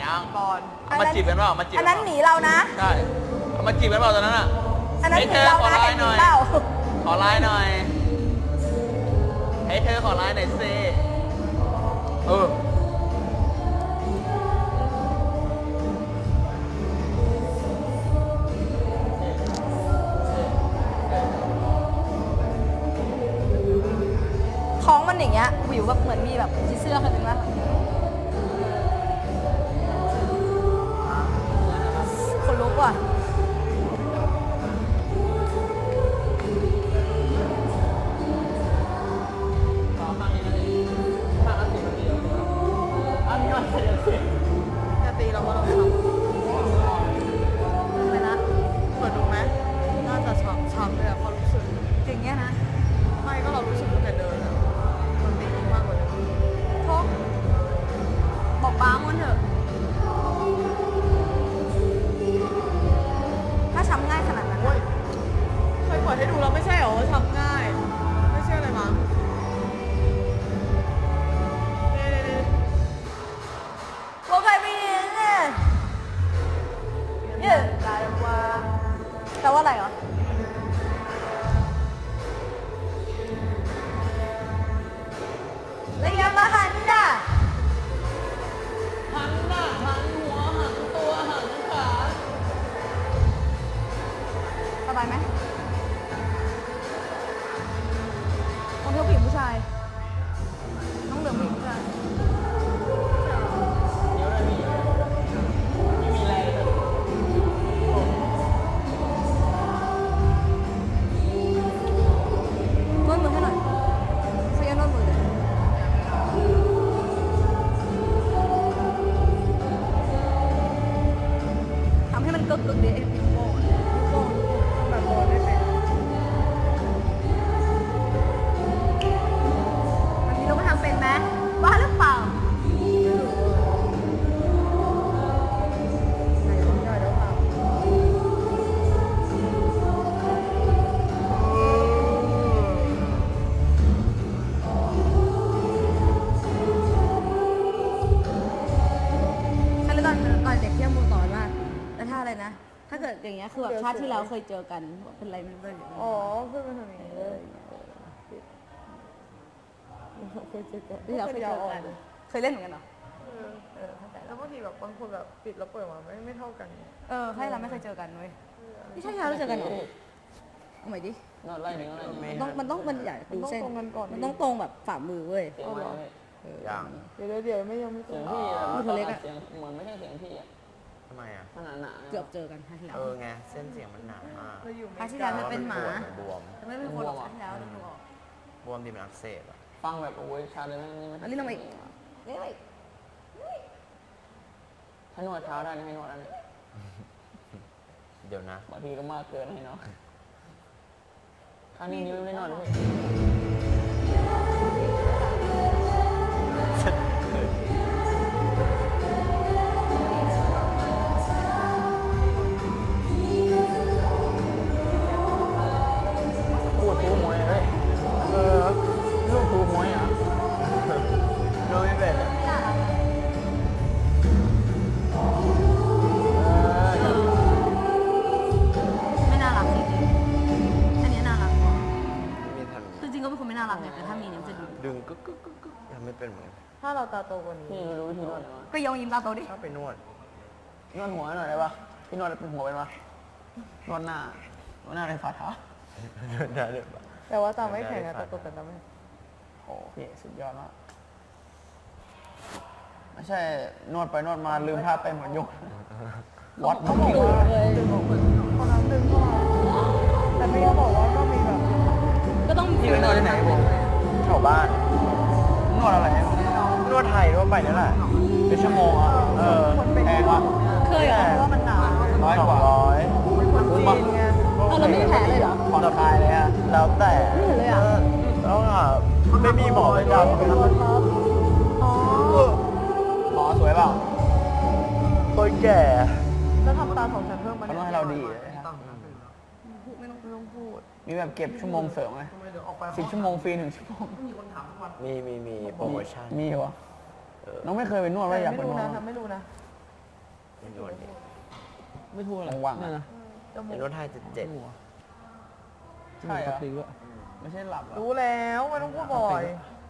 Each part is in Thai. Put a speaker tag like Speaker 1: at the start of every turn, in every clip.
Speaker 1: ยัง
Speaker 2: ก่อน
Speaker 1: เอามาจีบกันเปล่ามาจีบ
Speaker 3: อันนั้นหนีเรานะ
Speaker 1: ใช่เอามาจีบกันเปล่าตอนนั้นอ่ะ
Speaker 3: อันนั้นหนี
Speaker 1: เธอ
Speaker 3: เรา
Speaker 1: ขอ
Speaker 3: นะ
Speaker 1: ไล
Speaker 3: แต่
Speaker 1: น์
Speaker 3: ห
Speaker 1: ห
Speaker 3: นี
Speaker 1: น่อย
Speaker 3: เปล่า
Speaker 1: ขอไลน์หน่อยให้เธอขอไลน์หน่อยสิ
Speaker 3: ของมันอย่างเงี้ยวิวแบบเหมือนมีแบบผีเสื้อคนนึงนะคนลุกว่ะ
Speaker 2: จะตีเราก็ลองทำ
Speaker 3: ไปนะ
Speaker 2: เปิดดูไหมน่าจะช้ำเลยอะความรู้สึก
Speaker 3: อย่างเงี้ยนะ
Speaker 2: ไม่ก็เรารู้สึกตั้งแต่เดินแล้วมันตีมากกว่าเดิม
Speaker 3: โชคบอกป้ามันเถอะ ถ้าช้ำง่ายขนาดนั้น
Speaker 2: โอ้
Speaker 3: อะ
Speaker 2: ยเคยเปิดให้ดูแล้วไม่ใช่เหรอว่าช้ำง่าย ไม่เชื่อเลยมั้งนี่
Speaker 3: โอเคพี่เนี่ยเยอะแปลว่าอะไรเหรอแล้วยังมาหันด่ะ
Speaker 1: หันหน้าหันหัวหันตัวหันขา
Speaker 3: สบายไหมคนเที่ยวผู้หญิงผู้ชาย น้องเหลือผู้หญิงผู้ชาย
Speaker 1: เดี๋ยวเลยพี่ไม่มีแรงเลย
Speaker 3: นวดมือให้หน่อยใช้ยานวดมือเลยทำให้มันกึกๆดิไอ้นิ้วโป้งอะนิ้วโป้ง
Speaker 2: แบบโดนไม่เป็น
Speaker 3: มันมีเราไม่ทำเป็นไหมบ้าหรือเปล่า
Speaker 2: ไหนลองย่อยแล้วค่ะ
Speaker 3: ใช่แล้วตอนเด็กที่ยมูสอนว่าแล้วถ้าอะไรนะ ถ้าเกิดอย่างเงี้ยคือแบบชาติที่แล้วเคยเจอกันเป็นไรไม่รู้เลย
Speaker 2: อ๋อเพื่อนเป็นทำอย่างนี้เลยเคยเจอกัน
Speaker 3: ที่เราเคยเจอกันเคยเล่นเหมือนกันเหรอ เข้าใจ
Speaker 2: แล้วบางทีแบบบางคนแบบปิดแล้วเปิดมาไม่เท่ากันไง
Speaker 3: ให้เราไม่เคยเจอกันเว้ยนี่ใช่เราเจอกันเหรอเอาใหม่ดิ
Speaker 1: นอนไล่หนึ่งอะไรหนึ่ง
Speaker 3: มันใหญ่ดูเส้น
Speaker 2: ตรงกันก่อน
Speaker 3: มันต้องตรงแบบฝ่ามือเว้ย
Speaker 1: เสียงอะไร
Speaker 4: อย่าง
Speaker 2: เดี๋ยวไม่ยังไม่
Speaker 1: เสียง
Speaker 2: ตรง
Speaker 1: พี่แบบ
Speaker 3: ตัวเล็กอะ
Speaker 1: เสียงเหมือนไม่ใช่เสียงพี่อะ
Speaker 4: ทำไมอ่ะ
Speaker 1: ขนาดหนา
Speaker 3: เกือบเจอกันครั้งที่แล้ว
Speaker 4: ไง เส้นเสียงมันหนามาก
Speaker 2: เราอยู่
Speaker 3: ครั้งที่แล้วเธอเป็นหมา
Speaker 4: บวม
Speaker 3: แต่ไม่เป็นคนหรอกครั้งที่แล้วเราดูออก
Speaker 4: บวมดีมันอักเสบอ่ะ
Speaker 1: ฟังแบบโอ้ยชาเลยไหมนี่
Speaker 3: อันนี้ลงมาอีกนี่ลงมาอีก
Speaker 1: ถ้านวดเท้าได้นะให้นวดอันนี้
Speaker 4: เดี๋ยวนะ
Speaker 1: บางทีก็มากเกินให้เนาะข้างนี้นิ้วไม่นวดเลยพูดทูมวยเลยลูกทูมวยอ่ะ
Speaker 4: ดูไม่เป็นอะ
Speaker 3: ไม่น่ารักจริงๆอันนี้น่ารัก
Speaker 4: ไม่มีทัน
Speaker 3: คือจริงก็เป็นคนไม่น่ารักไงแต่ถ้ามีเนี่ยมันจะดู
Speaker 4: ดึงกึกกึกกึกกึกทำไม่เป็นเหมือนกัน
Speaker 2: ถ้าเราตาโตกว่านี้
Speaker 1: พี่รู้วิธีนวดไหม
Speaker 3: ก็ยองยิ้มตาโตดิ
Speaker 4: ชอบไปนวด
Speaker 1: นวดหัวหน่อยได้ปะพี่นวดเป็นหัวเป็นปะนวดหน้านวดหน้าในฝ่าเท้า
Speaker 4: ได้เลยปะ
Speaker 2: แต่ว่าตาไม่แข็งอะตาโตแต่ตาไม่
Speaker 1: โอ้พี่สุดยอดมากไม่ใช่นวดไปนวดมาลืมท่าเต้นเหมือนยกวัด
Speaker 2: เขาบอกว่าดึงออกเหมือนคนนั้นดึงเข้ามาแต่พี่เขาบอกว่าก็มีแบบ
Speaker 3: ก็ต้อง
Speaker 1: พี่ไปนวดที่ไหนผม
Speaker 4: แถวบ้าน
Speaker 1: นวดอะไร
Speaker 4: นวดไทยทั่วไปนี่แหละ
Speaker 1: เป็นชั่วโมงอ่ะ แพงวะ
Speaker 3: เคยเหรอ
Speaker 2: เพราะว่ามันหนาว
Speaker 1: ร้อยกว่า
Speaker 2: เป็นคนจีนไง
Speaker 3: เราไม่มีแผลเลยเหรอ
Speaker 1: ผ่อนคลายเลยอ่ะ
Speaker 4: แล้วแต่
Speaker 3: ไม่เห็นเลยอะ
Speaker 4: แล้วอ่ะไม่มีหมอประจำ
Speaker 3: อ๋อ
Speaker 1: หมอสวยเปล่า
Speaker 4: คนแก่
Speaker 2: แล้วทำตาของฉันเพิ่มมา
Speaker 1: เขาต้องให้เราดีเลย
Speaker 2: ไม่ต้องพูด
Speaker 1: มีแบบเก็บชั่วโมงเสริมไหม10 ชั่วโมงฟรี1 ชั่วโมง
Speaker 4: มีโปรโมชั่น
Speaker 1: มีวะน้องไม่เคยไปนวดว่าอยากไป
Speaker 2: ไม่
Speaker 1: น
Speaker 2: รู้
Speaker 1: วด
Speaker 2: นะทำไม่รู้นะ
Speaker 4: ไม่นวดดิ
Speaker 1: ไม่ทั่วหรอก
Speaker 2: จมู
Speaker 4: เดี๋ย
Speaker 2: ก
Speaker 4: วนวดไทย7
Speaker 1: หัว
Speaker 2: ใช่เหรอ
Speaker 1: ปกติด้วยไม่ใช่หลับเหรอ
Speaker 2: รู้แล้วไม่ต้องพูดบ่อย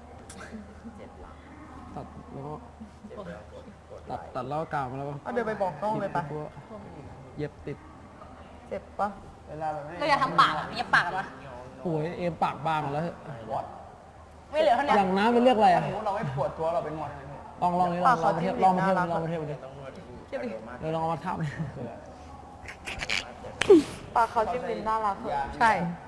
Speaker 1: ตัดแล้วก็ตัดแล้วก็กาวมาแล้วก็
Speaker 2: เอาเดินไปบอกกล้องเลยปะ
Speaker 1: เย็บติด
Speaker 2: เจ็บปะ
Speaker 1: เวลาแบบนี้
Speaker 3: เราอยากทำปากอะเย็บปากปะ
Speaker 1: โอ้ยเอมปากบางแล้ว
Speaker 3: ไม่เหลือเท่านี้
Speaker 1: อย่างน้ำเป็นเรียกอะไรอ่ะ
Speaker 2: เราไม่ปวดตัวเราเป็นนวด
Speaker 1: ลองนี่ลองมาเทียบลองมาเทียบลองมาเทียบดิ
Speaker 4: ต้องนวด
Speaker 3: เทียบดิ
Speaker 1: เดี๋ยวลองเอามาทับดิ
Speaker 2: ปากเขาจิ้มลิ้นน่ารักเหรอ
Speaker 3: ใช่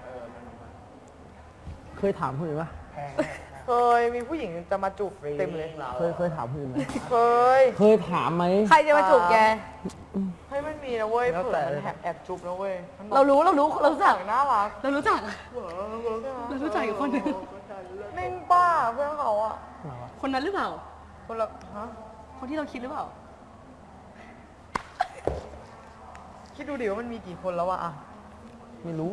Speaker 1: เคยถามคนอื่นปะ
Speaker 2: เคยมีผู้หญิงจะมาจูบเต็มเลย
Speaker 1: เคยถามคนอื่นไหม
Speaker 2: เคย
Speaker 1: เคยถามไหม
Speaker 3: ใครจะมาจูบแก
Speaker 2: ให้มันมีนะเว้ยเผื่อมันแอบจูบนะเว้ยมันบอก
Speaker 3: เรารู้เรารู้จัก
Speaker 2: น่ารัก
Speaker 3: เรารู้จัก เรารู้จักอีกคนหนึ่ง
Speaker 2: นิ่งป้าเพื่อนเขาอะ
Speaker 3: คนนั้นหรือเปล่า
Speaker 2: คนละฮะ
Speaker 3: คนที่เราคิดหรือเปล่า
Speaker 2: คิดดูดิว่ามันมีกี่คนแล้วอะ
Speaker 1: ไม่รู้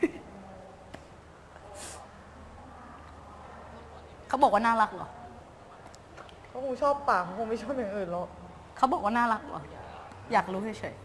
Speaker 3: เขาบอกว่าน่ารักเหรอ
Speaker 2: เขาคงชอบปากเขาคงไม่ชอบอย่างอื่นหรอก
Speaker 3: เขาบอกว่าน่ารักเหรอ อยากรู้เฉยๆ